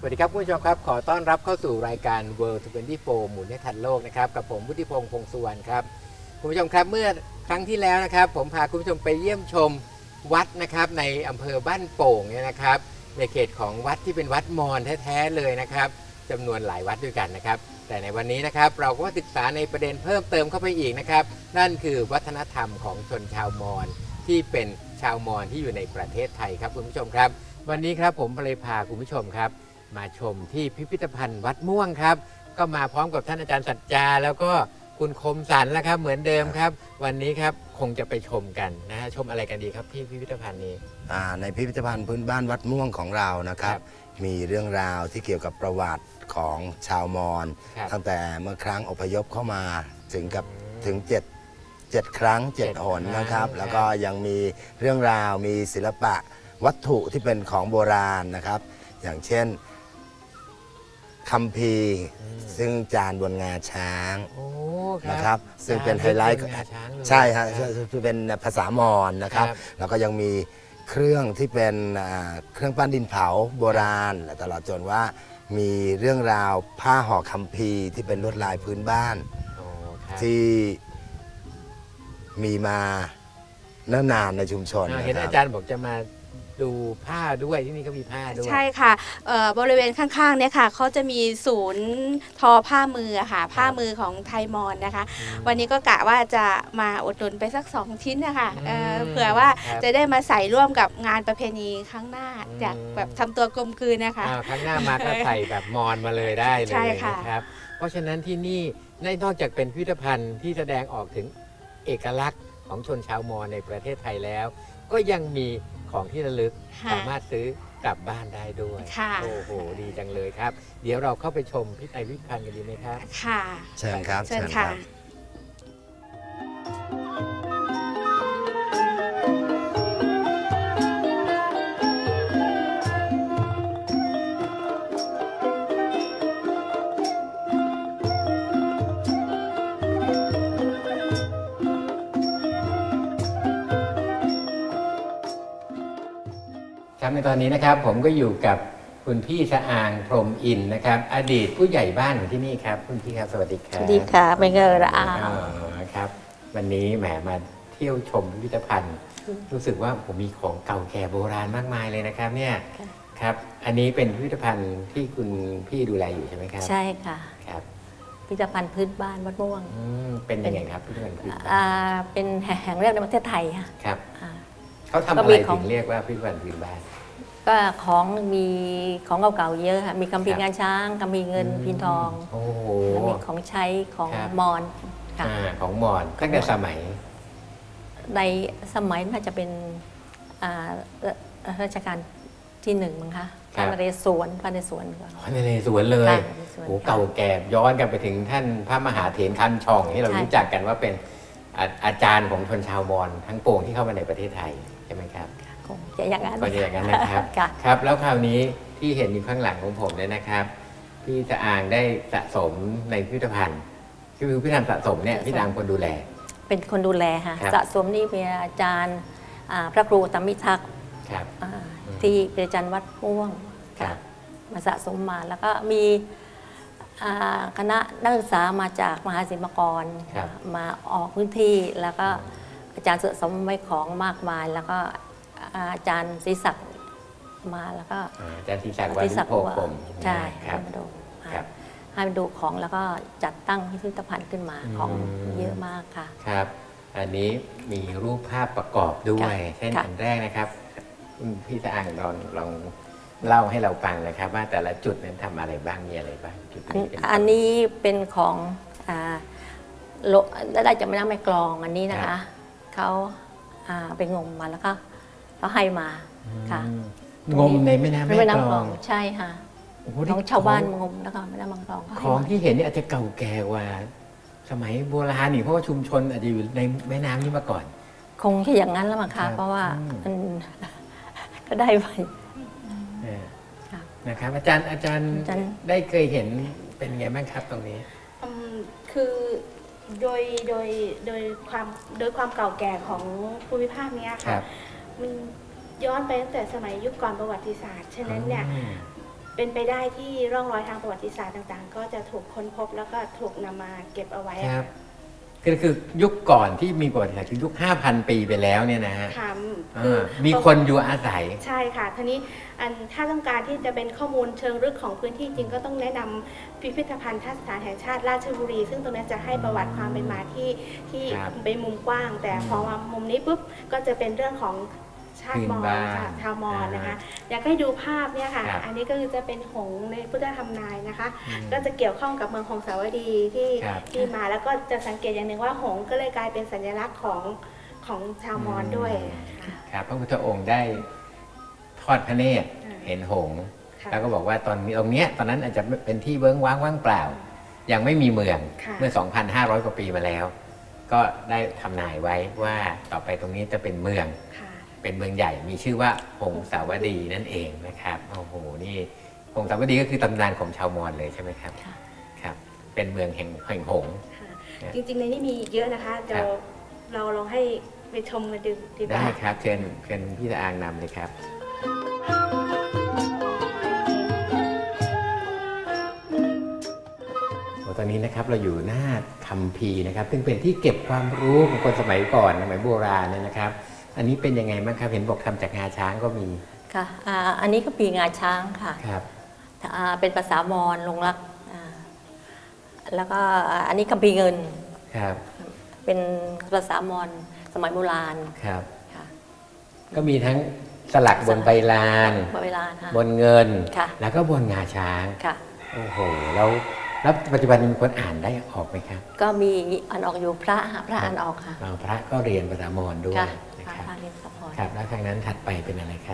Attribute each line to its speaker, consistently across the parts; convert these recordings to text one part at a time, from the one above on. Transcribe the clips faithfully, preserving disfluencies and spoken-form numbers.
Speaker 1: วัสดีครับคุณผู้ชมครับขอต้อนรับเข้าสู่รายการ World ยี่สิบสี่ หมุนให้ทันโลกนะครับกับผมวุฒิพงษ์พงษ์สุวรรณครับคุณผู้ชมครับเมื่อครั้งที่แล้วนะครับผมพาคุณผู้ชมไปเยี่ยมชมวัดนะครับในอำเภอบ้านโป่งเนี่ยนะครับในเขตของวัดที่เป็นวัดมอญแท้ๆเลยนะครับจำนวนหลายวัดด้วยกันนะครับแต่ในวันนี้นะครับเราก็ศึกษาในประเด็นเพิ่มเติมเข้าไปอีกนะครับนั่นคือวัฒนธรรมของชนชาวมอญที่เป็นชาวมอญที่อยู่ในประเทศไทยครับคุณผู้ชมครับวันนี้ครับผมเลยพาคุณผู้ชมครับมาชมที่พิพิธภัณฑ์วัดม่วงครับก็มาพร้อมกับท่านอาจารย์สัจจาแล้วก็คุณคมสันแล้วครับเหมือนเดิมครับวันนี้ครับคงจะไปชมกันนะฮะชมอะไรกันดีครับที่พิพิธภัณฑ์นี้
Speaker 2: ในพิพิธภัณฑ์พื้นบ้านวัดม่วงของเรานะครับมีเรื่องราวที่เกี่ยวกับประวัติของชาวมอญตั้งแต่เมื่อครั้งอพยพเข้ามาถึงกับถึงเจ็ดเจ็ดครั้งเจ็ดหนนะครับแล้วก็ยังมีเรื่องราวมีศิลปะวัตถุที่เป็นของโบราณนะครับอย่างเช่นคัมภีร์ซึ่งจานบนงาช้างนะครับซึ่งเป็นไฮไลท์ใช่ฮะคือเป็นภาษามอญนะครับแล้วก็ยังมีเครื่องที่เป็นเครื่องปั้นดินเผาโบราณตลอดจนว่ามีเรื่องราวผ้าห่อคัมภีร์ที่เป็นลวดลายพื้นบ้านที่มีมาเนิ่นนานในชุมชน
Speaker 1: เห็นอาจารย์บอกจะมาดูผ้าด้วยที่นี่ก็มีผ้าด้วย
Speaker 3: ใช่ค่ะบริเวณข้างๆเนี่ยค่ะเขาจะมีศูนย์ทอผ้ามือค่ะผ้ามือของไทยมอญนะคะวันนี้ก็กะว่าจะมาอุดหนุนไปสักสองชิ้นนะคะเผื่อว่าจะได้มาใส่ร่วมกับงานประเพณีครั้งหน้าจากแบบทำตัวกลมกลืนนะคะ
Speaker 1: ครั้งหน้ามาก็ใส่แบบมอญมาเลยได้เลยนะครับเพราะฉะนั้นที่นี่นอกจากเป็นพิพิธภัณฑ์ที่แสดงออกถึงเอกลักษณ์ของชนชาวมอญในประเทศไทยแล้วก็ยังมีของที่ระลึกสามารถซื้อกลับบ้านได้ด้วยโอ้โหดีจังเลยครับเดี๋ยวเราเข้าไปชมพิพิธภัณฑ์กันดีไหมครับ
Speaker 3: ค่ะ
Speaker 2: เชิญครับ
Speaker 3: เชิญค่ะ
Speaker 1: ครับในตอนนี้นะครับผมก็อยู่กับคุณพี่สะอางพรหมอินทร์นะครับอดีตผู้ใหญ่บ้านของที่นี่ครับคุณพี่ครับสวัสดีครับ
Speaker 4: สวัสดีค่ะเป็นเงินละอา
Speaker 1: ครับวันนี้แหมมาเที่ยวชมพิพิธภัณฑ์รู้สึกว่าผมมีของเก่าแก่โบราณมากมายเลยนะครับเนี่ยครับอันนี้เป็นพิพิธภัณฑ์ที่คุณพี่ดูแลอยู่ใช่ไหมครับ
Speaker 4: ใช่ค่ะ
Speaker 1: ครับ
Speaker 4: พิพิธภัณฑ์พื้นบ้านวัดม่วง
Speaker 1: เป็นยังไงครับพิพิธภัณฑ์พื้นบ้าน
Speaker 4: เป็นแห่งแรกในประเทศไทยค่ะ
Speaker 1: ครับเขาทำอะไรถึงเรียกว่าพิพิธภัณฑ์พื้นบ้าน
Speaker 4: ก็ของมีของเก่าๆเยอะค่ะมีคัมภีร์งานช้างคัมภีร์เงินพินทองแล้วมีของใช้ของมอญ
Speaker 1: ค่ะของมอญตั้งแต่สมัย
Speaker 4: ในสมัยน่าจะเป็นรัชกาลที่หนึ่งมั้งคะพระนเรศวรพระนเรศวรก่อน
Speaker 1: พระนเรศวรเลยโอ้เก่าแก่ย้อนกันไปถึงท่านพระมหาเถรคันช่องที่เรารู้จักกันว่าเป็นอาจารย์ของชนชาวมอญทั้งปวงที่เข้ามาในประเทศไทยใช่ไหมครับ
Speaker 4: จะอย่างนั้น
Speaker 1: ก็จะอย่างนั้นนะครับครับแล้วคราวนี้ที่เห็นอยู่ข้างหลังของผมเนี่ยนะครับพี่สะอางได้สะสมในพิพิธภัณฑ์คือพิพิธภัณฑ์สะสมเนี่ยพี่สะอางคนดูแล
Speaker 4: เป็นคนดูแลค่ะสะสมนี่เป็นอาจารย์พระครูธรรมิทักษ์ที่เป็นอาจารย์วัดม่วงมาสะสมมาแล้วก็มีคณะนักศึกษามาจากมหาศิลปากรมาออกพื้นที่แล้วก็อาจารย์สะสมไว้ของมากมายแล้วก็อาจารย์ศรีศักดิ์มาแล้วก็
Speaker 1: อาจารย์ศรีศักดิ์วัดโพกลม
Speaker 4: ใช่ให้มาดูให้มาดูของแล้วก็จัดตั้งพิพิธภัณฑ์ขึ้นมาของเยอะมากค่ะ
Speaker 1: ครับอันนี้มีรูปภาพประกอบด้วยเช่นอันแรกนะครับพี่สะอางลองลองเล่าให้เราฟังนะครับว่าแต่ละจุดนั้นทำอะไรบ้างมีอะไรบ้างจุดนี้
Speaker 4: อันนี้เป็นของได้จากแม่น้ำแม่กลองอันนี้นะคะเขาไปงมมาแล้วก็เขาให้มาค่ะ
Speaker 1: งมในแม่น้ำแม่กลอง
Speaker 4: ใช่ค่ะของชาวบ้านงมแล้วก็แม่น้ำแม่กลอง
Speaker 1: ของที่เห็นนี่อาจจะเก่าแก่กว่าสมัยโบราณนี่เพราะว่าชุมชนอาจจะอยู่ในแม่น้ำนี้มาก่อน
Speaker 4: คงแค่อย่างนั้นแล้วมั้งคะเพราะว่ามันก็ได้ไป
Speaker 1: นะครับอาจารย์อาจารย์ได้เคยเห็นเป็นไงบ้างครับตรงนี้
Speaker 3: คือโดยโดยโดยความโดยความเก่าแก่ของภูมิภาคนี้ค่ะมันย้อนไปตั้งแต่สมัยยุคก่อนประวัติศาสตร์ฉะนั้นเนี่ย เเป็นไปได้ที่ร่องรอยทางประวัติศาสตร์ต่างๆ ก็จะถูกค้นพบแล้วก็ถูกนำมาเก็บเอาไว้
Speaker 1: ครับคือคือยุคก่อนที่มีประวัติศาสตร์คือยุค ห้าพัน ปีไปแล้วเนี่ยนะฮะ
Speaker 3: ค่ะ
Speaker 1: อ่า
Speaker 3: คือ
Speaker 1: มีคนอยู่อาศัย
Speaker 3: ใช่ค่ะทีนี้อันถ้าต้องการที่จะเป็นข้อมูลเชิงลึกของพื้นที่จริงก็ต้องแนะนำพิพิธภัณฑ์ทัศนแห่งชาติราชบุรี ซึ่งตรงนี้จะให้ประวัติความเป็นมาที่ที่
Speaker 1: ครับ
Speaker 3: เป็นมุมกว้าง แต่พอมามุมนี้ปุ๊บก็จะเป็นเรื่องของชาติมอญ
Speaker 1: พื้นบ้าน
Speaker 3: ค่ะชาวมอญนะคะ
Speaker 1: อ่า
Speaker 3: อยากให้ดูภาพเนี่ยค่ะ
Speaker 1: ครับ
Speaker 3: อันนี้ก็คือจะเป็นหงส์ในพุทธธรรมนายนะคะ
Speaker 1: อืม
Speaker 3: ก็จะเกี่ยวข้องกับเมืองหงสาวดีที่
Speaker 1: ครับ
Speaker 3: ที่มาแล้วก็จะสังเกตอย่างหนึ่งว่าหงส์ก็เลยกลายเป็นสัญลักษณ์ของของชาวมอญด้วยค่ะ
Speaker 1: ครับพระพุทธองค์ได้ทอดพระเนตร
Speaker 3: อ่า
Speaker 1: เห็นหงส์
Speaker 3: ค่ะ
Speaker 1: แล้วก็บอกว่าตอนนี้ตรงเนี้ยตอนนั้นอาจจะเป็นที่เบิ้งว้างว่างเปล่า ยังไม่มีเมือง
Speaker 3: ค่ะ
Speaker 1: เมื่อ สองพันห้าร้อย กว่าปีมาแล้ว ก็ได้ทำนายไว้ว่าต่อไปตรงนี้จะเป็นเมือง
Speaker 3: ค่ะ
Speaker 1: เป็นเมืองใหญ่มีชื่อว่าหงสาวดีนั่นเองนะครับโอ้โหนี่หงสาวดีก็คือตำนานของชาวมอญเลยใช่ไหมครับ
Speaker 4: ค่ะ
Speaker 1: ครับ เป็นเมืองแห่งแห่งหงส์
Speaker 3: ค่ะจริงๆในนี้มีอีกเยอะนะคะเดี๋ยวเราลองให้ไปชมกันดูดีก
Speaker 1: ได้
Speaker 3: ว่า
Speaker 1: ครับเชิญเชิญพี่ตะอางนำเลยครับ ตอนนี้นะครับเราอยู่หน้าคัมภีร์นะครับซึ่งเป็นที่เก็บความรู้ของคนสมัยก่อนสมัยโบราณเนี่ยนะครับ อันนี้เป็นยังไงบ้างครับเห็นบอกทำจากงาช้างก็มี
Speaker 4: ค่ะอ่าอันนี้ก็ปีงาช้างค่ะ
Speaker 1: ครับ
Speaker 4: อ่าเป็นภาษามอญลงรักอ่าแล้วก็อันนี้คัมภีร์เงิน
Speaker 1: ครับ
Speaker 4: เป็นภาษามอญสมัยโบราณ
Speaker 1: ครับ
Speaker 4: ค่ะ
Speaker 1: ก็มีทั้งสลักบนใบลาน
Speaker 4: เวลาค่ะ
Speaker 1: บนเงิน
Speaker 4: ค่ะ
Speaker 1: แล้วก็บนงาช้าง
Speaker 4: ค่ะ
Speaker 1: โอ้โหแล้วแล้วปัจจุบันมีคนอ่านได้ออกไหมครับ
Speaker 4: ก็มีอ่านออกอยู่พระหาพระอ่านออกค่ะ
Speaker 1: เราพระก็เรียนภาษามอญด้วย
Speaker 4: ค่ะ
Speaker 1: นะ
Speaker 4: พระ
Speaker 1: ครับ
Speaker 4: พระเรียนสะพอน
Speaker 1: ครับแล้วทางนั้นถัดไปเป็นอะไรครับ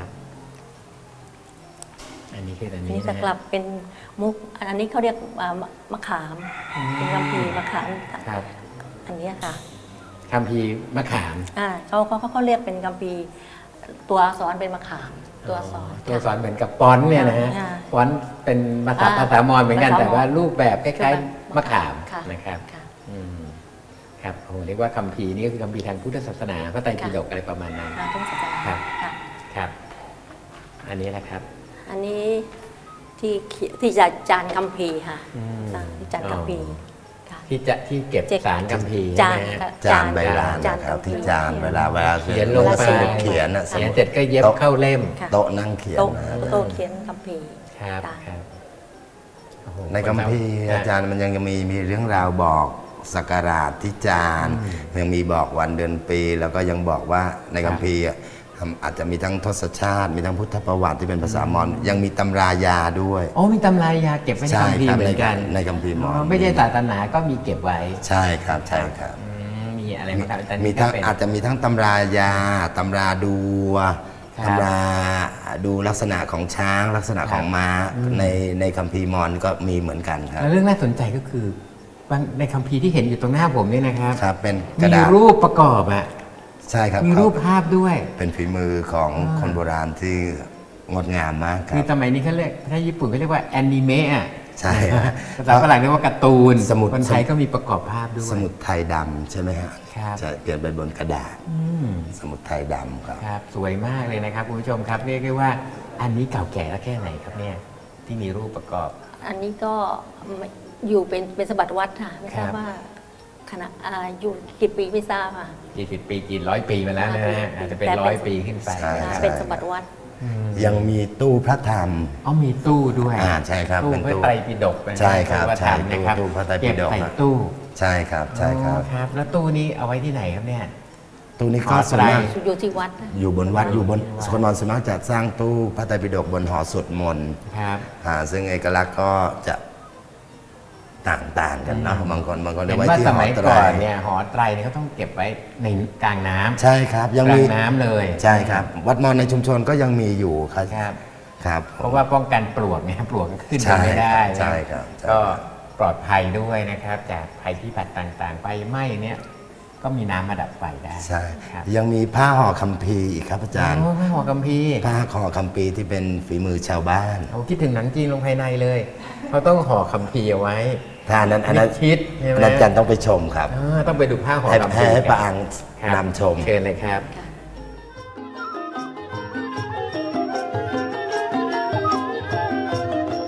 Speaker 1: อันนี้คืออัน
Speaker 4: อัน
Speaker 1: นี้
Speaker 4: นี้จะ
Speaker 1: นะ
Speaker 4: กลับเป็นมุกอันนี้เขาเรียกอ่ามะมะขาม เป็นคัมภีร์มะขาม
Speaker 1: ครับ
Speaker 4: อันเนี้ยค่ะ
Speaker 1: คัมภีร์มะขาม
Speaker 4: อ่าเขาเขาเขาเขาเรียกเป็นคัมภีร์ตัวอักษรเป็นมะขาม ตัวอักษร
Speaker 1: ตัวอักษรเหมือนกับฟอนต์เนี่ยนะฮะ
Speaker 4: อ่า
Speaker 1: ฟอนต์เป็นภาษา
Speaker 4: อ่า
Speaker 1: ภาษามอญเหมือนกัน
Speaker 4: ภาษามอญ
Speaker 1: แต่ว่ารูปแบบคล้ายๆมะขาม
Speaker 4: ค่ะ
Speaker 1: นะครับ
Speaker 4: ค่ะ
Speaker 1: อืมครับโอ้โหเรียกว่าคัมภีร์นี่ก็คือคัมภีร์ทางพุทธศาสนาพระไตรปิฎกอะไรประมาณนั้น
Speaker 4: อ่าต้องศาสนา
Speaker 1: ครับ
Speaker 4: ค่ะ
Speaker 1: ครับ อันนี้นะครับ
Speaker 4: อันนี้ที่เขียที่จะจานคัมภีร์ค่ะ
Speaker 1: อืม
Speaker 4: อ่าที่จานคัมภีร์ค่ะ
Speaker 1: ที่จะที่เก็บ
Speaker 4: เจ็ด
Speaker 1: สารคัมภีร์
Speaker 4: จาน
Speaker 1: ใช่ไหมฮะ
Speaker 4: ค่ะ
Speaker 2: จานใบลาน
Speaker 4: จาน
Speaker 2: นะครับ
Speaker 4: คัมภี
Speaker 2: ที่
Speaker 4: ร์
Speaker 2: จานเวลาเวลา
Speaker 1: เขียนลงไป
Speaker 2: สมุดเขียนอะส
Speaker 1: เขียน
Speaker 2: มุด
Speaker 1: เสร็จก็เย็บเข้าเล่ม
Speaker 4: ค่ะ
Speaker 2: โต๊ะนั่งเขียน
Speaker 4: โต๊ะ
Speaker 2: นะ
Speaker 4: โต๊ะเขียนคัมภีร์
Speaker 1: ครับ
Speaker 4: ค่ะ
Speaker 1: ครับโอ้โห
Speaker 2: ในคัมภีร์อาจารย์มันยังมีมีเรื่องราวบอกสักการะที่จานยังมีบอกวันเดือนปี แล้วก็ยังบอกว่าในคัมภีร์อะอาจจะมีทั้งทศชาติ มีทั้งพุทธประวัติที่เป็นภาษามอญยังมีตำรายาด้วย
Speaker 1: โอ้มีตำรายาเก็บไว้ใน
Speaker 2: ใช่
Speaker 1: คัมภี
Speaker 2: ค
Speaker 1: ร์
Speaker 2: รับ
Speaker 1: เหมือนกัน
Speaker 2: ในคัมภีร์มอญ
Speaker 1: อ๋อไม่ใช่ศาสนาก็มีเก็บไว้
Speaker 2: ใช่ครับใช่ครับ
Speaker 1: อืมมีอะไรบ้างครับอาจารย์
Speaker 2: มีทั้ง
Speaker 1: นี่ก็เป็น
Speaker 2: อาจจะมีทั้งตำรายาตำราดู
Speaker 1: ครับ
Speaker 2: ตำราดูลักษณะของช้างลักษณะของม้า
Speaker 1: อืม
Speaker 2: ในในคัมภีร์มอญก็มีเหมือนกันครับ
Speaker 1: แล้วเรื่องน่าสนใจก็คือบางในคัมภีร์ที่เห็นอยู่ตรงหน้าผมเนี่ยนะครับ
Speaker 2: ครับเป็นก
Speaker 1: มี
Speaker 2: ระดาษ
Speaker 1: รูปประกอบอะ
Speaker 2: ใช่ครับ
Speaker 1: มีรูปภาพด้วย
Speaker 2: เป็นฝีมือของ
Speaker 1: อ่า
Speaker 2: คนโบราณที่งดงามมากครั
Speaker 1: คือบ สมัยนี้เขาเรียกถ้าญี่ปุ่นเขาเรียกว่าแอนิเมะอะ
Speaker 2: ใช่ครับ
Speaker 1: ภาษาฝรั่งเรียกว่าการ์ตูน
Speaker 2: สมุด
Speaker 1: คนไทยก็มีประกอบภาพด้วย
Speaker 2: สมุดไทยดำใช่ไหมฮะ
Speaker 1: ครับ
Speaker 2: ใช่เปลี่ยนไปบนกระดาษ
Speaker 1: อืม
Speaker 2: สมุดไทยดำครับ
Speaker 1: ครับสวยมากเลยนะครับคุณผู้ชมครับเรียกได้ว่าอันนี้เก่าแก่แล้วแค่ไหนครับเนี่ยที่มีรูปประกอบ
Speaker 4: อันนี้ก็ไม่อยู่เป็นเป็นสมบัติวัดค่ะไม่ทราบ
Speaker 1: ครับ
Speaker 4: ว่าขณะอ่าอยู่กี่ปีไม่ทราบค่ะ
Speaker 1: กี่สิบปีกี่ร้อยปีมาแล้วนะฮะอาจจะเป็น
Speaker 4: แต่เป็น
Speaker 1: ร้อยปีขึ้นไป
Speaker 2: ใช่
Speaker 4: อ่า
Speaker 1: นะครับ
Speaker 4: เป็นสมบัติวัด
Speaker 1: อืม
Speaker 2: ยังมีตู้พระธรรม
Speaker 1: อ๋อมีตู้ด้วย
Speaker 2: อ่าใช่ครับ
Speaker 1: ตู้
Speaker 2: เป็น
Speaker 1: พระ
Speaker 2: ตู้
Speaker 1: ไตรปิฎกนะ
Speaker 2: ใช่ครับ
Speaker 1: พะ
Speaker 2: ใช่
Speaker 1: ธรรมนะครับ
Speaker 2: ตู้พระไตรปิฎก
Speaker 1: เก็บใส่ตู้
Speaker 2: ใช่ครับใช่ครับ
Speaker 1: อ๋อครับ แล้วตู้นี้เอาไว้ที่ไหนครับเนี่ย
Speaker 2: ตู้นี้
Speaker 1: ห
Speaker 2: ก็
Speaker 1: อ
Speaker 2: ส่วน
Speaker 1: ไตร
Speaker 2: มาก
Speaker 4: อยู่ที่วัดนะ
Speaker 2: อยู่บนวัดอยู่บน
Speaker 1: วัด
Speaker 2: คนมอญสวนมากจะสร้างตู้พระไตรปิฎกบนหอสวดมนต์
Speaker 1: ครับ
Speaker 2: อ่าซึ่งเอกลักษณ์ก็จะต่างๆกันเนาะ
Speaker 1: อืม
Speaker 2: บางคนบางคน
Speaker 1: เห็
Speaker 2: เรีย
Speaker 1: น
Speaker 2: กไว้
Speaker 1: ว่า
Speaker 2: ที่
Speaker 1: ส
Speaker 2: หอ
Speaker 1: มัย
Speaker 2: ไตร
Speaker 1: ก่อนเนี่ยหอไตรเนี่ยเขาต้องเก็บไว้ในกลางน้ำ
Speaker 2: ใช่ครับยัง
Speaker 1: กลา
Speaker 2: มี
Speaker 1: งน้ำเลย
Speaker 2: ใช่ครับ วัดมอญในชุมชนก็ยังมีอยู่ครับ
Speaker 1: ครับ
Speaker 2: ครับ
Speaker 1: เพราะว่าป้องกันปลวกเนี่ยปลวกขึ้น
Speaker 2: ใช่
Speaker 1: ไปไม่ได้
Speaker 2: ใช่ครับใช่
Speaker 1: ก็ปลอดภัยด้วยนะครับ จากภัยพิบัติต่างๆไฟไหม้เนี่ยก็มีน้ำมาดับไฟได้
Speaker 2: ใช่
Speaker 1: ครับ
Speaker 2: ยังมีผ้าห่อคัมภีร์อีกครับอาจารย์
Speaker 1: โอ้พระหัวกัมพีร์
Speaker 2: ผ้าห่อคัมภีร์ที่เป็นฝีมือชาวบ้าน
Speaker 1: โอ้คิดถึงหนังจีนลงภายในเลยเขาต้องห่อคัมภีร์เอาไว้
Speaker 2: ถ้าอันนั้นอันนั้น
Speaker 1: มิดชิดใช่ไหม
Speaker 2: อันนั้นอาจารย์ต้องไปชมครับ
Speaker 1: อ่าต้องไปดูผ้าห่อ
Speaker 2: ให้
Speaker 1: คัม
Speaker 2: ให้
Speaker 1: ภีร์
Speaker 2: ให้
Speaker 1: ค
Speaker 2: ป
Speaker 1: รั
Speaker 2: ระ
Speaker 1: บ
Speaker 2: อัง
Speaker 1: ครับ
Speaker 2: นำชม
Speaker 1: เชิญเลยครับ
Speaker 2: ค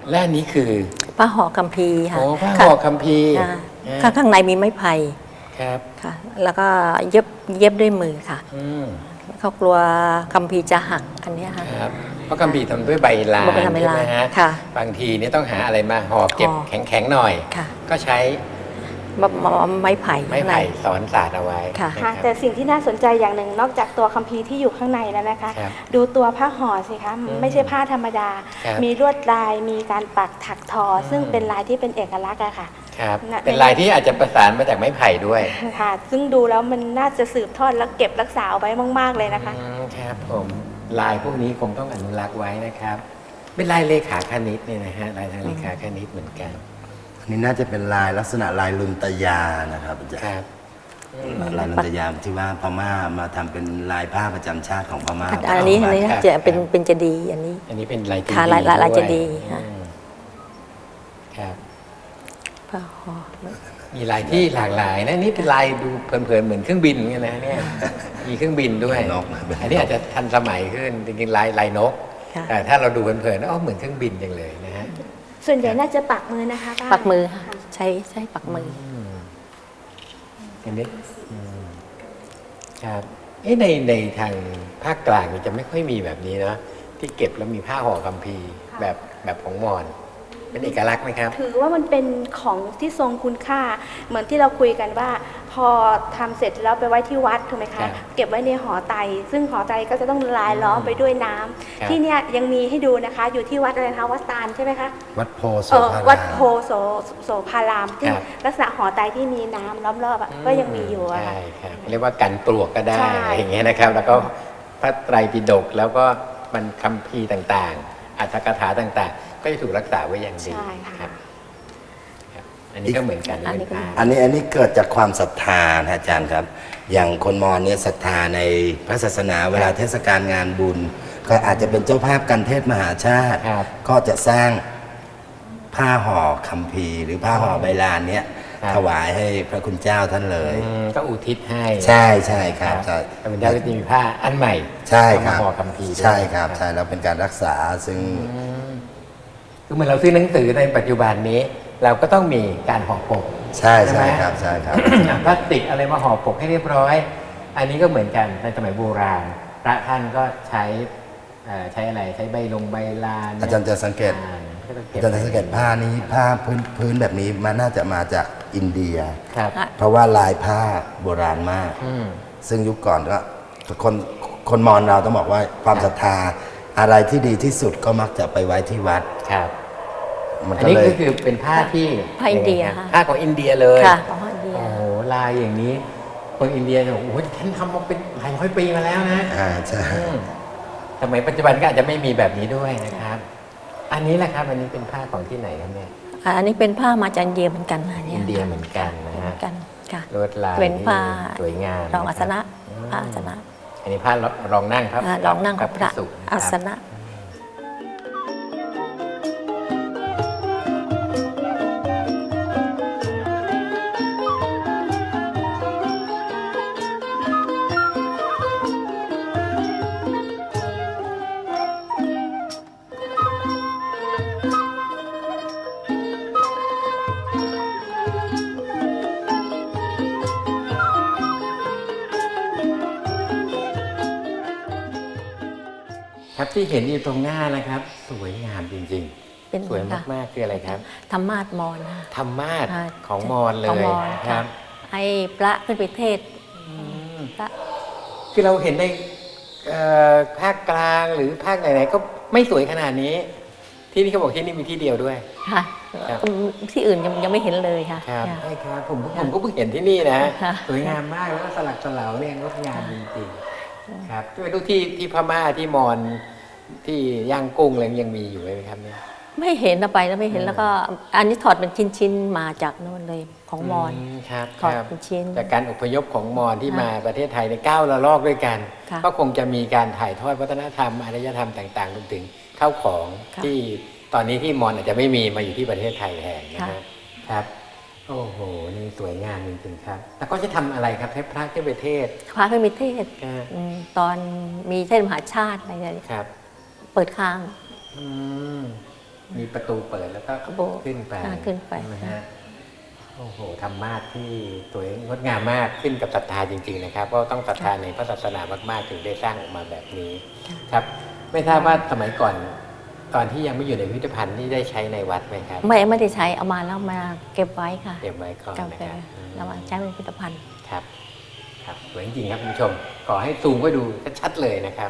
Speaker 1: และอันนี้คือ
Speaker 4: ผ้าห่อคัมภีร์ค่ะ
Speaker 1: โอ้ผ้าห่อคัมภีร์
Speaker 4: ค่ะ
Speaker 1: อ่า
Speaker 4: ข้างข้างในมีไม้ไผ่
Speaker 1: ครับ
Speaker 4: ค่ะ แล้วก็เย็บเย็บด้วยมือค่ะ
Speaker 1: อืม
Speaker 4: เขากลัวคัมภีร์จะหักอันเนี้ยค่ะ
Speaker 1: ครับเพราะคัมภีร์ทำด้วยใบลาน
Speaker 4: ใบลานใบลาน
Speaker 1: ใช่ไหมฮะ
Speaker 4: ค่ะ
Speaker 1: บางทีเนี่ยต้องหาอะไรมาห่อเก็บ
Speaker 4: ห่อ
Speaker 1: แข็งๆหน่อย
Speaker 4: ค่ะ
Speaker 1: ก็ใช้
Speaker 4: มะมะไม้ไผ่
Speaker 1: ไม้ไผ่สอนสาดเอาไว้
Speaker 4: ค่ะ
Speaker 1: นะ
Speaker 3: ค่ะ
Speaker 1: รับ
Speaker 3: แต่สิ่งที่น่าสนใจอย่างหนึ่งนอกจากตัวคัมภีร์ที่อยู่ข้างในแล้วนะคะ
Speaker 1: ครับ
Speaker 3: ดูตัวผ้าห่อสิคะไม่ใช่ผ้าธรรมดา
Speaker 1: ครับ
Speaker 3: มีลวดลายมีการปักถักทอ ซึ่งเป็นลายที่เป็นเอกลักษณ์อะค่ะ
Speaker 1: ครับ
Speaker 3: น่ะ
Speaker 1: เป็นลายที่อาจจะประสานมาจากไม้ไผ่ด้วย
Speaker 3: ค่ะ ซึ่งดูแล้วมันน่าจะสืบทอดและเก็บรักษาเอาไว้มาก ๆเลยนะคะ
Speaker 1: อืมครับผมลายพวกนี้คงต้องอนุรักษ์ไว้นะครับ เป็นลายเลขาคณิตเนี่ยนะฮะลายทางเลขาคณิตเหมือนกัน
Speaker 2: อันนี้น่าจะเป็นลายลักษณะลายลุนตยานะครับอาจาร
Speaker 1: ค
Speaker 2: ย์
Speaker 1: รับ
Speaker 2: ลายลุนตยาที่ว่าพม่ามาทำเป็นลายผ้าประจำชาติของพม่า
Speaker 4: อันนี้อันนี้
Speaker 1: ครับ
Speaker 4: จะเป็น
Speaker 1: ครับ
Speaker 4: เป็นเจดีย์อันนี้
Speaker 1: อันนี้เป็นลายเจดี
Speaker 4: ค่ะลายลายลาย
Speaker 1: ด้วย
Speaker 4: เจดีย์ค่ะ
Speaker 1: อืมครับ
Speaker 4: ผ้าห่อ
Speaker 1: มีลายที่หลากหลายนะนี่เป็นลายดูเพลินๆเหมือนเครื่องบินเหมือนกันนะเนี่ยมีเครื่องบินด้วย
Speaker 2: นกนะ
Speaker 1: อันนี้อาจจะทันสมัยขึ้นจริงๆลายลายนก
Speaker 4: ค่ะ
Speaker 1: แต่ถ้าเราดูเพลินๆอ๋อเหมือนเครื่องบินจังเลยนะฮะ
Speaker 3: ส่วนใหญ่น่าจะปักมือนะคะป้า
Speaker 4: ปักมือค่ะใช้ใช้ปักมือ
Speaker 1: อันนี้อืมครับเอ๊ะในในทางภาคกลางนี่จะไม่ค่อยมีแบบนี้นะที่เก็บแล้วมีผ้าห่อคัมภีร์แบบแบบของมอญเป็นเอกลักษณ์ไหมครับ
Speaker 3: ถือว่ามันเป็นของที่ทรงคุณค่า เหมือนที่เราคุยกันว่า พอทำเสร็จแล้วไปไว้ที่วัดถูกไหม
Speaker 1: ครั
Speaker 3: คะ
Speaker 1: บ
Speaker 3: เก็บไว้ในหอไตรซึ่งหอไตรก็จะต้องลายล้อมไปด้วยน้ำ
Speaker 1: ครับ
Speaker 3: ที่เนี่ยยังมีให้ดูนะคะ อยู่ที่วัดอะไรคะวัดตาลใช่ไหมคะ
Speaker 2: วัดโพโส
Speaker 3: เออ
Speaker 2: ภาราม
Speaker 3: วัดโพโสโสภารามซึ่ง
Speaker 1: ครับ
Speaker 3: ลักษณะหอไตรที่มีน้ำล้อมรอบอะก็ยังมีอยู่อะค่ะ
Speaker 1: ใช่ครับเรียกว่ากันปลวกก็ได้
Speaker 3: ใช่
Speaker 1: อะไรอย่างเงี้ยนะครับ แล้วก็พระไตรปิฎกแล้วก็มันคัมภีร์ต่างๆอัตถกถาต่างๆ ก็จะถูกรักษาไว้อย่างดี
Speaker 3: ใช่ค่ะ
Speaker 1: ครับครับ อันนี้ก็เหมือนกัน
Speaker 4: อันนี้
Speaker 1: เป็นผ้า
Speaker 2: อันนี้อันนี้เกิดจากความศรัทธานะอาจารย์ครับ อย่างคนมอญเนี่ยศรัทธาในพระศาสนาเวลาเทศกาลงานบุญ ก็อาจจะเป็นเจ้าภาพกันเทศมหาชาติ
Speaker 1: ครับ
Speaker 2: ก็จะสร้างผ้าห่อคัมภีร์หรือผ้าห่อใบลานเนี้ย
Speaker 1: ครับ
Speaker 2: ถวายให้พระคุณเจ้าท่านเลย
Speaker 1: อืมก็อุทิศให้
Speaker 2: ใช่ใช่ครับใช่
Speaker 1: พระคุณเจ้าก็จะมีผ้าอันใหม่
Speaker 2: ใช่ค
Speaker 1: เอา
Speaker 2: รั
Speaker 1: มา
Speaker 2: บ
Speaker 1: ห่อคัมภีร์ด้วย
Speaker 2: ใช่ครับใช่แล้วเป็นการรักษาซึ่ง
Speaker 1: อืมคือเหมือนเราซื้อหนังสือในปัจจุบันนี้ เราก็ต้องมีการห่อปก
Speaker 2: ใช่
Speaker 1: ใช่ไหม
Speaker 2: ใช่ครับใช่ครับ
Speaker 1: พลาสติกอะไรมาห่อปกให้เรียบร้อย อันนี้ก็เหมือนกันในสมัยโบราณ พระท่านก็ใช้เอ่อใช้อะไรใช้ใบลงใบลาน
Speaker 2: อาจารย์จะสังเกต
Speaker 1: อ่าก็ต้องเก็
Speaker 2: อา
Speaker 1: บ
Speaker 2: จารย์จะสังเกตผ้านี้ผ้าพื้นพื้นแบบนี้มันน่าจะมาจากอินเดีย
Speaker 1: ครับ
Speaker 2: เพราะว่าลายผ้าโบราณมาก
Speaker 1: อืม
Speaker 2: ซึ่งยุคก่อนก็คนคนมอญเราต้องบอกว่าความศรัทธาอะไรที่ดีที่สุดก็มักจะไปไว้ที่วัด
Speaker 1: ครับ
Speaker 2: มัน
Speaker 1: อัน
Speaker 2: ก็
Speaker 1: นี้
Speaker 2: เลย
Speaker 1: ก็คือเป็นผ้าที่
Speaker 4: ผ้าอินเดีย
Speaker 1: งไงครับ
Speaker 4: ค่ะ
Speaker 1: ผ้าของอินเดียเลย
Speaker 4: ค่ะของอินเดีย
Speaker 1: โอ้โหลายอย่างนี้ คนอินเดียเนี่ยโอ้โหท่านทำมาเป็นหลายร้อยปีมาแล้วนะ
Speaker 2: อ่าใช่
Speaker 1: อืมสมัยปัจจุบันก็อาจจะไม่มีแบบนี้ด้วยนะครับ อันนี้แหละครับ อันนี้เป็นผ้าของที่ไหนครับเนี่ย
Speaker 4: อ่าอันนี้เป็นผ้ามาจากอินเดียเหมือนกันนะเนี่
Speaker 1: อิ
Speaker 4: ย
Speaker 1: นเดียเหมือนกันนะ
Speaker 4: เหมื
Speaker 1: ฮะ
Speaker 4: อนกันค่ะ
Speaker 1: ลวดลาย
Speaker 4: เป็นผ้า
Speaker 1: ที่สวยงาม
Speaker 4: รองอาสนะ
Speaker 1: อืม
Speaker 4: ผ้าอาสนะ
Speaker 1: อันนี้ผ้ารองนั่งครับ
Speaker 4: อ่ารองนั่งของพระ
Speaker 1: ภิกษุนค
Speaker 4: อา
Speaker 1: บ
Speaker 4: สนะ
Speaker 1: ครับที่เห็นอยู่ตรงหน้านะครับ สวยงามจริง
Speaker 4: เป็น
Speaker 1: ๆ สวยมากๆคืออะไรครับ
Speaker 4: ธรรมาสมอนค่ะ
Speaker 1: ธรรมาส
Speaker 4: ค่ะ
Speaker 1: ของมอญเล
Speaker 4: ของ
Speaker 1: ย
Speaker 4: มอญ
Speaker 1: ครับ
Speaker 4: ให้พระขึ้นไปเทศน์
Speaker 1: อืม
Speaker 4: พระ
Speaker 1: คือเราเห็นในเอ่อภาคกลางหรือภาคไหนๆก็ไม่สวยขนาดนี้ ที่นี่เขาบอกที่นี่มีที่เดียวด้วย
Speaker 4: ค่ะ
Speaker 1: ครับ
Speaker 4: ที่อื่นยังยังไม่เห็นเลยค่ะ
Speaker 1: ครับ
Speaker 4: ค่ะ
Speaker 1: ใช่ครับผมผมก็เพิ่งเห็นที่นี่นะ
Speaker 4: ค่ะ
Speaker 1: สวยงามมากแล้วก็สลักสลาวเนี่ยงดงามจริงๆครับก็ไปดูที่ที่พม่าที่มอญที่ย่างกุ้งอะไรยังมีอยู่ไหมครับเนี่ย
Speaker 4: ไม่เห็นเอาไปแล้วไม่เห็น
Speaker 1: อืม
Speaker 4: แล้วก็อันนี้ถอดเป็นชิ้นๆมาจากโน่นเลยของมอญ
Speaker 1: ครับ
Speaker 4: ถอด
Speaker 1: ครับ
Speaker 4: เป็นชิ้น
Speaker 1: จากการอพยพของมอญที่
Speaker 4: ค่ะ
Speaker 1: มาประเทศไทยในเก้าระลอกด้วยกัน
Speaker 4: ค่ะ
Speaker 1: ก็คงจะมีการถ่ายทอดวัฒนธรรมอารยธรรมต่างๆรวมถึงข้าวของ
Speaker 4: ค่ะ
Speaker 1: ที่ตอนนี้ที่มอญอาจจะไม่มีมาอยู่ที่ประเทศไทยแทนนะ
Speaker 4: ค่ะ
Speaker 1: ฮะครับ โอ้โหนี่สวยงามจริงๆครับแล้วก็จะทำอะไรครับให้พระขึ้นไปเทศน์
Speaker 4: พระขึ้นไปเทศน์
Speaker 1: อ่า
Speaker 4: อืมตอนมีเทศน์มหาชาติอะไรเนี่ย
Speaker 1: ครับ
Speaker 4: เปิดค้าง
Speaker 1: อืมมีประตูเปิดแล้วก็
Speaker 4: โบสถ์
Speaker 1: ขึ้นไป
Speaker 4: อ่าขึ้นไป
Speaker 1: ใช่ไหมฮะโอ้โหธรรมาสที่สวยงดงามมากขึ้นกับศรัทธาจริงๆนะครับเพราะต้องศรัทธาในพระศาสนามากๆถึงได้สร้างออกมาแบบนี้ครับไม่ทราบว่าสมัยก่อนตอนที่ยังไม่อยู่ในพิพิธภัณฑ์นี่ได้ใช้ในวัดไหมครับ
Speaker 4: ไม่ไม่ได้ใช้เอามาแล้วมาเก็บไว้ค่ะ
Speaker 1: เก็บไว้ก่อน
Speaker 4: เก็บ
Speaker 1: นะ
Speaker 4: ไว้
Speaker 1: ครับ
Speaker 4: แล้วมาใช้เป็นพิพิธภัณฑ์
Speaker 1: ครับครับสวยจริงๆครับคุณผู้ชมขอให้ซูมไว้ดูชัดๆเลยนะครับ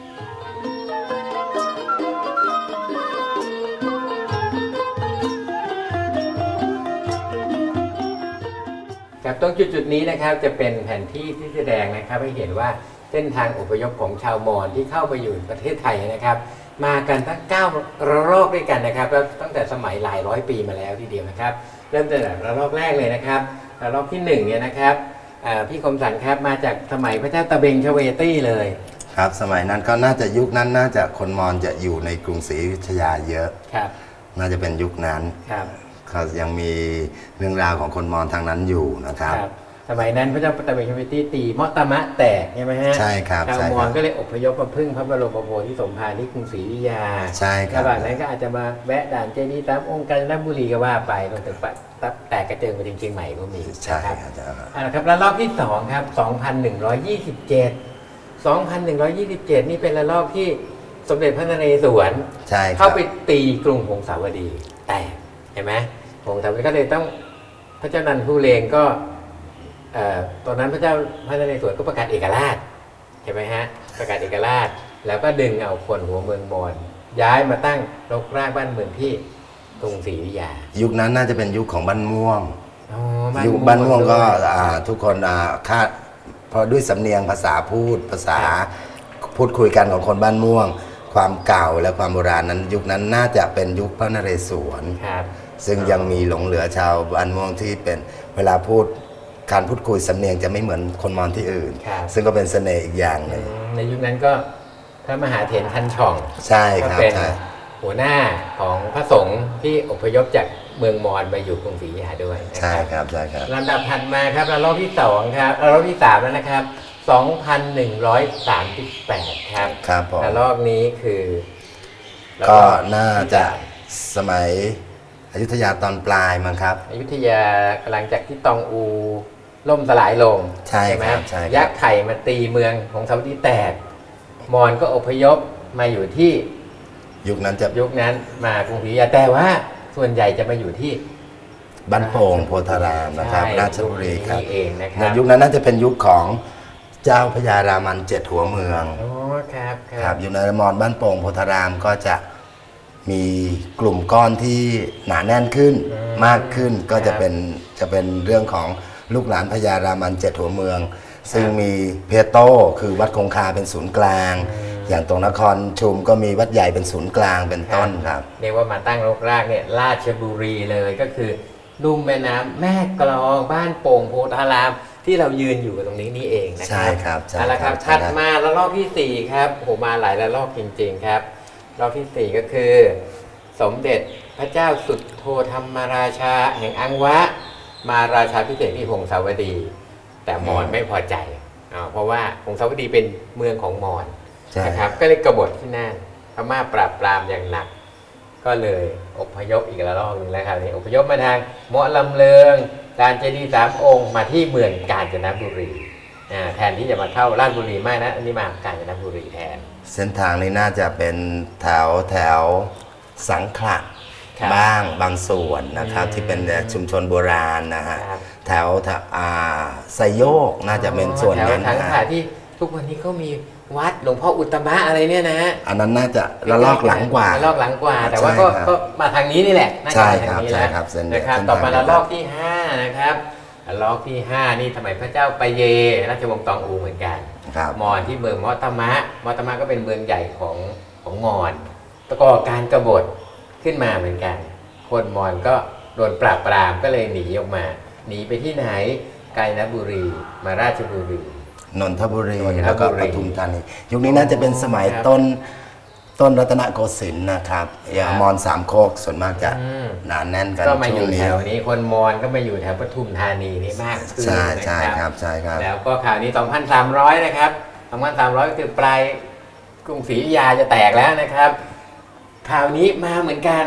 Speaker 1: ครับตรงจุดๆนี้นะครับจะเป็นแผนที่ที่แสดงนะครับให้เห็นว่าเส้นทางอพยพของชาวมอญที่เข้าไปอยู่ประเทศไทยนะครับ มากันทั้งเก้าระลอกด้วยกันนะครับแล้วตั้งแต่สมัยหลายร้อยปีมาแล้วทีเดียวนะครับ เริ่มตั้งแต่ระลอกแรกเลยนะครับระลอกที่หนึ่งเนี่ยนะครับอ่าพี่คมสันครับมาจากสมัยพระเจ้าตะเบงชเวตี้เลย
Speaker 2: ครับสมัยนั้นก็น่าจะยุคนั้นน่าจะคนมอญจะอยู่ในกรุงศรีอยุธยาเยอะ
Speaker 1: ครับ
Speaker 2: น่าจะเป็นยุคนั้น
Speaker 1: ครับ
Speaker 2: เขายังมีเรื่องราวของคนมอญทางนั้นอยู่นะครับ
Speaker 1: ครับสมัยนั้นพระเจ้าตะเบงชเวตี้ตีเมาะตะมะแตกใช่ไหมฮะ
Speaker 2: ใช่ครับ
Speaker 1: ชาว
Speaker 2: ใช่
Speaker 1: ม
Speaker 2: ค
Speaker 1: อ
Speaker 2: รั
Speaker 1: ญ
Speaker 2: บ
Speaker 1: ก็เลยอพยพมาพึ่งพระบรมโพธิสมภารที่กรุงศรีอยุธยา
Speaker 2: ใช่ครับ
Speaker 1: ระหว่างนั้นก็อาจจะมาแวะด่านเจดีย์ตามองค์กาญจนบุรีก็ว่าไปรวมถึงปะแตกกระเจิงไปถึงเชียงใหม่ก็มี
Speaker 2: ใช่
Speaker 1: นะครับ
Speaker 2: ครับใช่ครับ
Speaker 1: เอาละครับระลอกที่สองครับสองพันหนึ่งร้อยยี่สิบเจ็ด สองพันหนึ่งร้อยยี่สิบเจ็ด นี่เป็นระลอกที่สมเด็จพระนเรศวร
Speaker 2: ใช่ครั
Speaker 1: เข้า
Speaker 2: บ
Speaker 1: ไปตีกรุงหงสาวดีแตกเห็นไหมหงสาวดีก็เลยต้องพระเจ้านันทุเรงก็เอ่อตอนนั้นพระเจ้าพระนเรศวรก็ประกาศเอกราชเห็นไหมฮะประกาศเอกราช แล้วก็ดึงเอาคนหัวเมืองมอญย้ายมาตั้งรกรากบ้านเมืองที่กรุงศรีอยุธยา
Speaker 2: ยุคนั้นน่าจะเป็นยุคของบ้านม่วง
Speaker 1: อ๋อ
Speaker 2: ยุคบ้านม่วงก็
Speaker 1: ด้วย
Speaker 2: อ่าทุกคนอ่าคาดเพราะด้วยสำเนียงภาษาพูดภาษา
Speaker 1: ครับ
Speaker 2: พูดคุยกันของคนบ้านม่วง ความเก่าและความโบราณนั้น ยุคนั้นน่าจะเป็นยุคพระนเรศวร
Speaker 1: ครับ
Speaker 2: ซึ่งยังมีหลงเหลือชาวบ้านม่วงที่เป็นเวลาพูดการพูดคุยสำเนียงจะไม่เหมือนคนมอญที่อื่น
Speaker 1: ครับ
Speaker 2: ซึ่งก็เป็นเสน่ห์อีกอย่างหนึ่ง
Speaker 1: ในยุคนั้นก็พระมหาเถรทันช่อง
Speaker 2: ใช่
Speaker 1: ก็
Speaker 2: ครับ
Speaker 1: เป็น
Speaker 2: ใช่
Speaker 1: หัวหน้าของพระสงฆ์ที่อพยพจากเมืองมอญมาอยู่กรุงศรีอยุธยาด้วยนะ
Speaker 2: ใช่ครับใช่ครับ
Speaker 1: ลำดับถัดมาครับระลอกที่สองครับระลอกที่สามแล้วนะครับ สองพันหนึ่งร้อยสามสิบแปด ครับ
Speaker 2: ครับผม
Speaker 1: ระลอกนี้คือระล
Speaker 2: ก็
Speaker 1: อ
Speaker 2: น่าจะสมัยอยุธยาตอนปลายมั้งครับ
Speaker 1: อยุธยากำลังจากที่ตองอูล่มสลายลง
Speaker 2: ใช่ครับ
Speaker 1: ไหม
Speaker 2: ใช่ครับ
Speaker 1: ยักษ์ไข่มาตีเมืองของสาวดีแตกมอญก็อพยพมาอยู่ที่
Speaker 2: ยุคนั้นจะ
Speaker 1: ยุคนั้นมากรุงศรีอยุธยาแต่ว่าส่วนใหญ่จะมาอยู่ที่
Speaker 2: บ้านโป่งโพธารามนะครับ
Speaker 1: ใช่
Speaker 2: ราชบุรีครับ
Speaker 1: นี่เองนะค
Speaker 2: ใน
Speaker 1: รับ
Speaker 2: ยุคนั้นน่าจะเป็นยุคของเจ้าพญารามันเจ็ดหัวเมือง
Speaker 1: อ๋อครับค
Speaker 2: ค
Speaker 1: รั
Speaker 2: รั
Speaker 1: บบ
Speaker 2: อยู่ในมอญบ้านโป่งโพธารามก็จะมีกลุ่มก้อนที่หนาแน่นขึ้นมากขึ้น ก็จะเป็นจะเป็นเรื่องของลูกหลานพญารามันเจ็ดหัวเมือง ซึ่งมีเพโตคือวัดคงคาเป็นศูนย์กลาง อย่างตรงนครชุมก็มีวัดใหญ่เป็นศูนย์กลางเป็นต้นครับ
Speaker 1: เรียกว่ามาตั้งรกรากเนี่ยราชบุรีเลยก็คือลุ่มแม่น้ำแม่กลองบ้านโป่งโพธารามที่เรายืนอยู่ตรงนี้นี่เองนะครั
Speaker 2: ใช่ครับใช่
Speaker 1: เอาละครับ
Speaker 2: ครับ
Speaker 1: ถัดมาระลอกที่สี่ครับโอ้โหมาหลายระลอกจริงๆครับระลอกที่สี่ก็คือ สมเด็จพระเจ้าสุดโทธรรมราชาแห่งอังวะ มาราชาพิเศษที่หงสาวดี แต่มอญไม่พอใจอ่าเพราะว่าหงสาวดีเป็นเมืองของมอญ
Speaker 2: ใช่
Speaker 1: นะครับก็เลยกบฏที่นั่นพม่าปราบปรามอย่างหนัก ก็เลยอพยพอีกระลอกหนึ่งแล้วครับนี่อพยพมาทางเมาะลำเลิงการเจดีย์สามองค์มาที่เมืองกาญจนบุรีอ่าแทนที่จะมาเข้าราชบุรีไม่นะอันนี้มากาญจนบุรีแทน
Speaker 2: เส้นทางนี้น่าจะเป็นแถวแถวสังขละ
Speaker 1: ครับ
Speaker 2: บ้างบางส่วนนะครับ
Speaker 1: อืม
Speaker 2: ที่เป็นชุมชนโบราณนะฮะ
Speaker 1: ครับ
Speaker 2: แถวแถวอ่าไซโยกน่าจะเป็นส่วนนั้น
Speaker 1: แถว
Speaker 2: นะ
Speaker 1: ทาง
Speaker 2: ฮะ
Speaker 1: ขาที่ทุกวันนี้เขามีวัดหลวงพ่ออุตตมะอะไรเนี่ยนะฮะ
Speaker 2: อันนั้นน่าจะระลอกหลังกว่า
Speaker 1: ระลอกหลังกว่า แต่ว่าก็
Speaker 2: ใช่ครับ
Speaker 1: ก็มาทางนี้นี่แหละน่าจะ
Speaker 2: ใช่
Speaker 1: มา
Speaker 2: ครั
Speaker 1: ทาง
Speaker 2: บ
Speaker 1: นี้
Speaker 2: ใช่
Speaker 1: แล้ว
Speaker 2: ครับเส้น
Speaker 1: นะครับ
Speaker 2: เส้นทาง
Speaker 1: ต่อมา
Speaker 2: เดียวกัน
Speaker 1: ระลอกที่ห้านะครับระลอกที่ห้านี่สมัยพระเจ้าปเยราชวงศ์ตองอูเหมือนกัน
Speaker 2: ครับ
Speaker 1: มอญที่เมืองมอตมะมอตมะก็เป็นเมืองใหญ่ของของมอญตะกอการกบฏขึ้นมาเหมือนกัน คนมอญก็โดนปราบปรามก็เลยหนีออกมา หนีไปที่ไหนกาญจนบุรีมาราชบุรี
Speaker 2: นนทบุรี
Speaker 1: นนทบุรี
Speaker 2: แล้วก็ปทุมธานียุคนี้น่าจะเป็นสมัย
Speaker 1: ครับ
Speaker 2: ต้นต้นรัตนโกสินทร์นะครับอย่างมอญสามโคกส่วนมากจะ
Speaker 1: อืม
Speaker 2: หนาแน่นกัน
Speaker 1: ก็มาอ
Speaker 2: ช่ว
Speaker 1: ยู่
Speaker 2: ง
Speaker 1: แถ
Speaker 2: นี้
Speaker 1: วนี้คนมอญก็มาอยู่แถวปทุมธานีนี่มากขึ้น
Speaker 2: ใช่
Speaker 1: นะ
Speaker 2: ใช่
Speaker 1: ค
Speaker 2: ค
Speaker 1: รั
Speaker 2: รับ บใช่ครับ
Speaker 1: แล้วก็ข่าวนี้ สองพันสามร้อย นะครับ สองพันสามร้อย ก็คือปลายกรุงศรีอยุธยาจะแตกแล้วนะครับ ข่าวนี้มาเหมือนกัน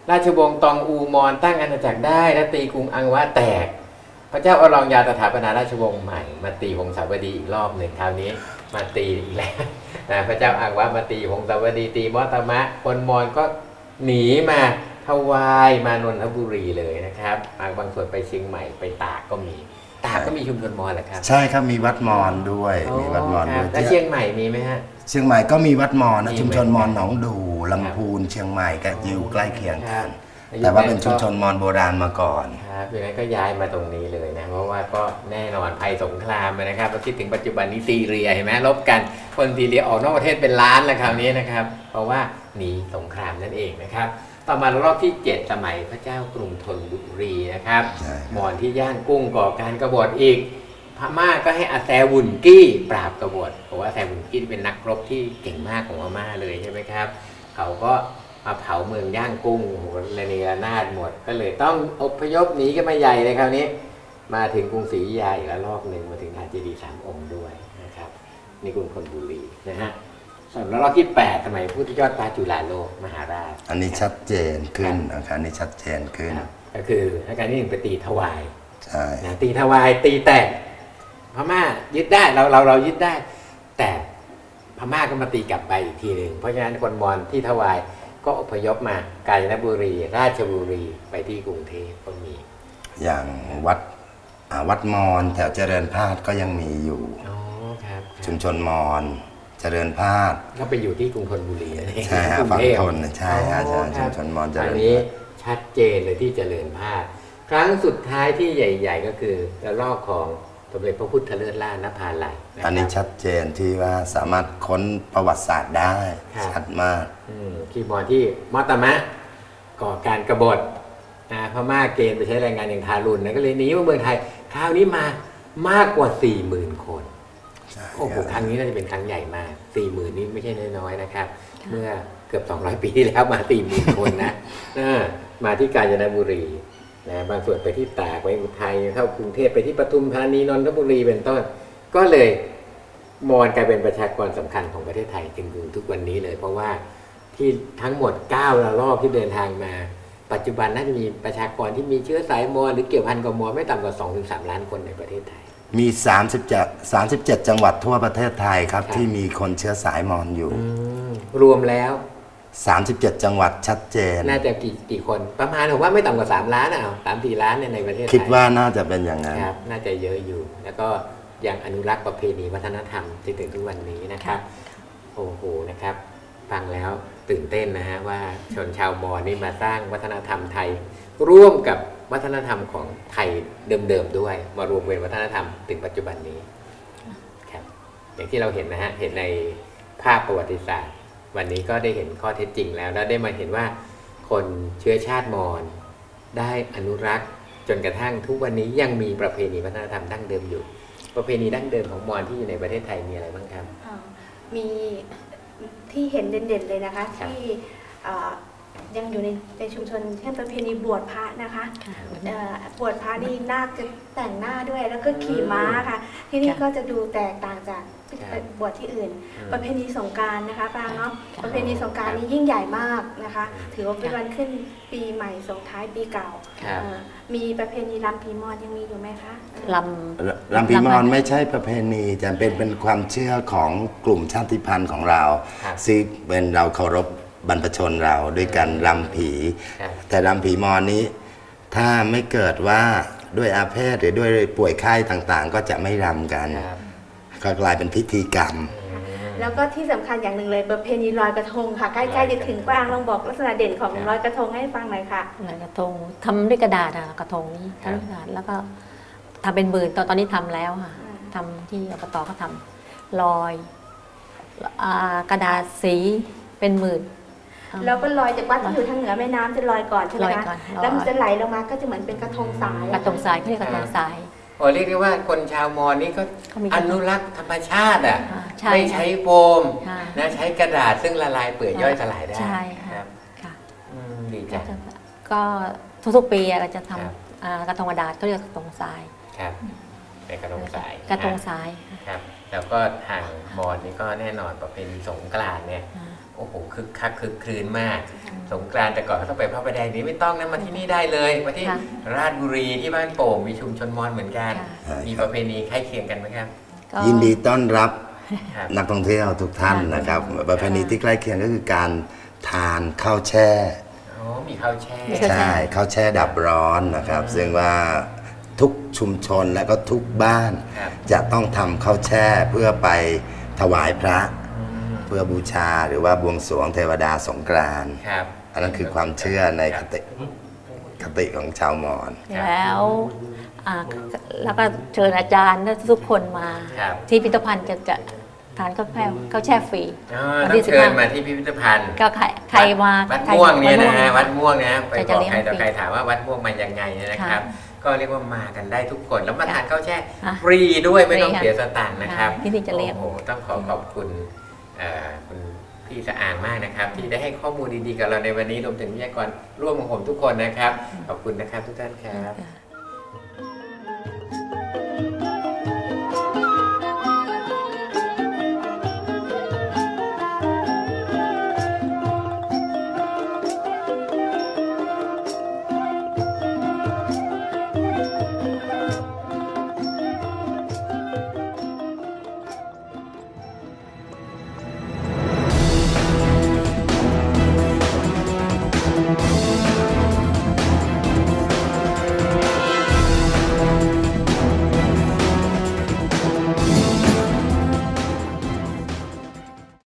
Speaker 1: ราชวงศ์ตองอูมอนตั้งอาณาจักรได้และตีกรุงอังวะแตก พระเจ้าอรองยาสถาปนาราชวงศ์ใหม่มาตีวงศาวดีอีกรอบหนึ่งคราวนี้มาตีอีกแล้วนะพระเจ้าอังวะมาตีวงศาวดีตีมอตมะคนมอญก็หนีมาทวายมานนทบุรีเลยนะครับบางส่วนไปเชียงใหม่ไปตากก็มีตากก็มีชุมชนมอญแหละครับ
Speaker 2: ใช่ครับมีวัดมอญด้วยมีวัดมอญด้วย
Speaker 1: แล้วเชียงใหม่มีไหมฮะ
Speaker 2: เชียงใหม่ก็มีวัดมอญนะชุมชนมอญหนองดูลำพูนเชียงใหม่ก็อยู่ใกล้เคียงกันแต่ว่าเป็นชุมชนมอญโบราณมาก่อน
Speaker 1: ครับดังนั้นก็ย้ายมาตรงนี้เลยนะเพราะว่าก็แน่นอนภัยสงครามนะครับเราคิดถึงปัจจุบันนี้ซีเรียเห็นไหมลบกันคนซีเรียออกนอกประเทศเป็นล้านแล้วคราวนี้นะครับเพราะว่าหนีสงครามนั่นเองนะครับต่อมารอบที่เจ็ดสมัยพระเจ้ากรุงธนบุรีนะครับมอญที่ย่างกุ้งก่อการกบฏอีกพม่าก็ให้อาแซวุนกี้ปราบกบฏเพราะว่าอาแซวุนกี้เป็นนักรบที่เก่งมากของพม่าเลยใช่ไหมครับเขาก็มาเผาเมืองย่างกุ้งโหระเนระนาดหมดก็เลยต้องอพยพหนีกันมาใหญ่เลยคราวนี้มาถึงกรุงศรีอยุธยาอีกแล้วรอบหนึ่งมาถึงหาดเจดีย์สามองค์ด้วยนะครับนี่กรุงธนบุรีนะฮะส่วนรอบที่แปดสมัยพุทธยอดฟ้าจุฬาโลกมหาราช
Speaker 2: อันนี้ชัดเจนขึ้นอาการนี้ชัดเจนขึ้น
Speaker 1: ก็คืออาการที่หนึ่งไปตีถวาย
Speaker 2: ใช่
Speaker 1: ตีถวายตีแตกพม่ายึดได้เราเราเรายึดได้แต่พม่าก็มาตีกลับไปอีกทีหนึ่งเพราะฉะนั้นคนมอญที่ถวายก็อพยพมากาญจนบุรีราชบุรีไปที่กรุงเทพก็มี
Speaker 2: อย่างวัดวัดมอญแถวเจริญพาสก็ยังมีอยู่
Speaker 1: อ๋อครับ
Speaker 2: ชุมชนมอญเจริญพาส
Speaker 1: ก็ไปอยู่ที่กรุงธนบุรีนั่นเอง
Speaker 2: ใช่ฮะฝั่งธนใช่ฮะชุมชนมอญเจริญ
Speaker 1: อันนี้ชัดเจนเลยที่เจริญพาสครั้งสุดท้ายที่ใหญ่ๆก็คือระลอกของสมเด็จพระพุทธเลิศล่านภาลัย
Speaker 2: อันนี้ชัดเจนที่ว่าสามารถค้นประวัติศาสตร์ได้ชัดมาก
Speaker 1: คีย์บอร์ดที่มอตมะก่อการกบฏพม่าเกณฑ์ไปใช้แรงงานอย่างทารุณนะก็เลยหนีมาเมืองไทยคราวนี้มามากกว่า สี่หมื่น คนโอ้โหครั้งนี้น่าจะเป็นครั้งใหญ่มาก สี่หมื่น นี่ไม่ใช่น้อยๆนะครับเมื่อเกือบสองร้อยปีที่แล้วมา สี่หมื่น คนนะมาที่กาญจนบุรีนะบางส่วนไปที่ตากไปอุทัยเข้ากรุงเทพไปที่ปทุมธานีนนทบุรีเป็นต้นก็เลยมอญกลายเป็นประชากรสำคัญของประเทศไทยจนถึงทุกวันนี้เลยเพราะว่าที่ทั้งหมดเก้าระลอกที่เดินทางมาปัจจุบันน่าจะมีประชากรที่มีเชื้อสายมอญหรือเกี่ยวพันกับมอญไม่ต่ำกว่า สองถึงสาม ล้านคนในประเทศไทย
Speaker 2: มีสามสิบเจ็ด สามสิบเจ็ดจังหวัดทั่วประเทศไทยครับที่มีคนเชื้อสายมอญอยู่
Speaker 1: รวมแล้ว
Speaker 2: สามสิบเจ็ดจังหวัดชัดเจน
Speaker 1: น่าจะกี่กี่คนประมาณผมว่าไม่ต่ำกว่าสามล้านอ่ะ สามถึงสี่ ล้านในประเทศไทย
Speaker 2: คิดว่าน่าจะเป็นอย่างนั้น
Speaker 1: ครับน่าจะเยอะอยู่แล้วก็ยังอนุรักษ์ประเพณีวัฒนธรรมจนถึงทุกวันนี้นะครับโอ้โหนะครับฟังแล้วตื่นเต้นนะฮะว่าชนชาวมอญนี่มาสร้างวัฒนธรรมไทยร่วมกับวัฒนธรรมของไทยเดิมๆด้วยมารวมเป็นวัฒนธรรมถึงปัจจุบันนี้ครับอย่างที่เราเห็นนะฮะเห็นในภาพประวัติศาสตร์วันนี้ก็ได้เห็นข้อเท็จจริงแล้วแล้วได้มาเห็นว่าคนเชื้อชาติมอญได้อนุรักษ์จนกระทั่งทุกวันนี้ยังมีประเพณีวัฒนธรรมดั้งเดิมอยู่ประเพณีดั้งเดิมของมอญที่อยู่ในประเทศไทยมีอะไรบ้างครับ
Speaker 3: มีที่เห็นเด่นๆเลยนะคะที่ยังอยู่ในในชุมชนเช่นประเพณีบวชพระนะคะบวชพระนี่นาคจะแต่งหน้าด้วยแล้วก็ขี่ม้าค่ะที่นี่ก็จะดูแตกต่างจากบวชที่อื่นประเพณีสงกรานต์นะคะปรางเนาะประเพณีสงกรานต์นี้ยิ่งใหญ่มากนะคะถือว่าเป็นวันขึ้นปีใหม่ส่งท้ายปีเก่ามีประเพณีรำผีมอญยังมีอยู่ไหมคะ
Speaker 4: ร
Speaker 2: ำรำผีมอญไม่ใช่ประเพณีแต่เป็นเป็นความเชื่อของกลุ่มชาติพันธุ์ของเราซึ่งเป็นเราเคารพบรรพชนเราด้วยกันรำผีแต่รำผีมอญนี้ถ้าไม่เกิดว่าด้วยอาเพศหรือด้วยป่วยไข้ต่างๆก็จะไม่รำกันก็กลายเป็นพิธีกรรม
Speaker 3: แล้วก็ที่สำคัญอย่างหนึ่งเลยประเพณีลอยกระทงค่ะใกล้ๆจะถึงกว้างลองบอกลักษณะเด่นของลอยกระทงให้ฟังหน่อยค่ะ
Speaker 4: ลอยกระทงทำด้วยกระดาษอะกระทงนี้ทำด้วยกระดาษแล้วก็ทำเป็นหมื่นตอนตอนนี้ทำแล้วค่ะทำที่อบตก็ทำลอยกระดาษสีเป็นหมื่น
Speaker 3: แล้วก็ลอยจากวัดที่อยู่ทางเหนือแม่น้ำจะลอยก่อนใช่ไหมคะแล้วมันจะไหลลงมาก็จะเหมือนเป็นกระทงทราย
Speaker 4: กระทงทรายเขาเรียกกระทงทราย
Speaker 1: โอ้เรียกได้ว่าคนชาวมอญนี่ก็อนุรักษ์ธรรมชาติอ่ะไม่ใช้โฟมนะใช้กระดาษซึ่งละลายเปื่อยย่อยสลายได้
Speaker 4: ใช่ครับ
Speaker 1: ดีจัง
Speaker 4: ก็ทุกๆปีเราจะทำกระทงกระดาษเขาเรียกกระทงทราย
Speaker 1: ครับเป็นกระทงทราย
Speaker 4: กระทงทราย
Speaker 1: ครับแล้วก็ทางมอญนี่ก็แน่นอนประเพณีสงกรานต์เนี่ยโอ้โอ้โหคึกคักคึกครื้นมาก สงกรานต์แต่ก่อนก็ต้องไปพระประแดงนี้ไม่ต้องนะมาที่นี่ได้เลยมาที่
Speaker 4: ค่ะ
Speaker 1: ราชบุรีที่บ้านโป่งมีชุมชนมอญเหมือนกัน
Speaker 2: ค่ะ
Speaker 1: มีประเพณีใกล้เคียงกันไหมครับ
Speaker 4: ก็
Speaker 2: ยินดีต้อนรับ
Speaker 1: ครับ
Speaker 2: นักท่องเที่ยวทุกท่าน
Speaker 4: ค่ะ
Speaker 2: นะครับประเพณีที่ใกล้เคียงก็คือการทานข้าวแช่
Speaker 1: อ๋อมีข้าวแช่
Speaker 4: มีข้าวแช่
Speaker 2: ใช่ข้าวแช่ดับร้อนนะครับ ซึ่งว่าทุกชุมชนและก็ทุกบ้าน
Speaker 1: ครับ
Speaker 2: จะต้องทำข้าวแช่เพื่อไปถวายพระ
Speaker 1: อืม
Speaker 2: เพื่อบูชาหรือว่าบวงสรวงเทวดาสงกรานต์
Speaker 1: ครับ
Speaker 2: อันนั้นคือความเชื่อในคติคติของชาวมอญ
Speaker 4: แล้วอ่าแล้วก็เชิญอาจารย์และทุกคนมา
Speaker 1: ครับ
Speaker 4: ที่พิพิธภัณฑ์จะจะทานข้าวแช่ข้าวแช่ฟรี
Speaker 1: อ๋อ
Speaker 4: วัน
Speaker 1: ต้อ
Speaker 4: ที่
Speaker 1: ง
Speaker 4: สิบ
Speaker 1: เชิ
Speaker 4: ห้า
Speaker 1: ญมาที่พิพิธภัณฑ์
Speaker 4: ก็ใครใครมา
Speaker 1: วัด
Speaker 4: ใคร
Speaker 1: ม่วงเนี่ยนะฮะ
Speaker 4: วั
Speaker 1: วั
Speaker 4: ด
Speaker 1: ด
Speaker 4: ม่
Speaker 1: ม่
Speaker 4: ว
Speaker 1: ว
Speaker 4: ง
Speaker 1: งนะไป
Speaker 4: แต่
Speaker 1: บ
Speaker 4: จะ
Speaker 1: อก
Speaker 4: เลี้ยง
Speaker 1: ใครต่อ
Speaker 4: ฟรี
Speaker 1: ใครถามว่าวัดม่วงมายังไงเนี่ยนะครับ ก็เรียกว่ามากันได้ทุกคนแล้วมาทานข้าวแช่
Speaker 4: อ่ะ
Speaker 1: ฟรีด้วยไม่ต้อง
Speaker 4: ฟรีค่ะ
Speaker 1: เสียสตางค์นะครับ
Speaker 4: ที่นี่จะเลี้ยง
Speaker 1: โอ้โหต้องขอขอบคุณเอ่อคุณพี่สะอางมากนะครับ ที่ได้ให้ข้อมูลดีๆกับเราในวันนี้รวมถึงวิทยากรร่วมของผมทุกคนนะครับ ขอบคุณนะครับทุกท่านครับ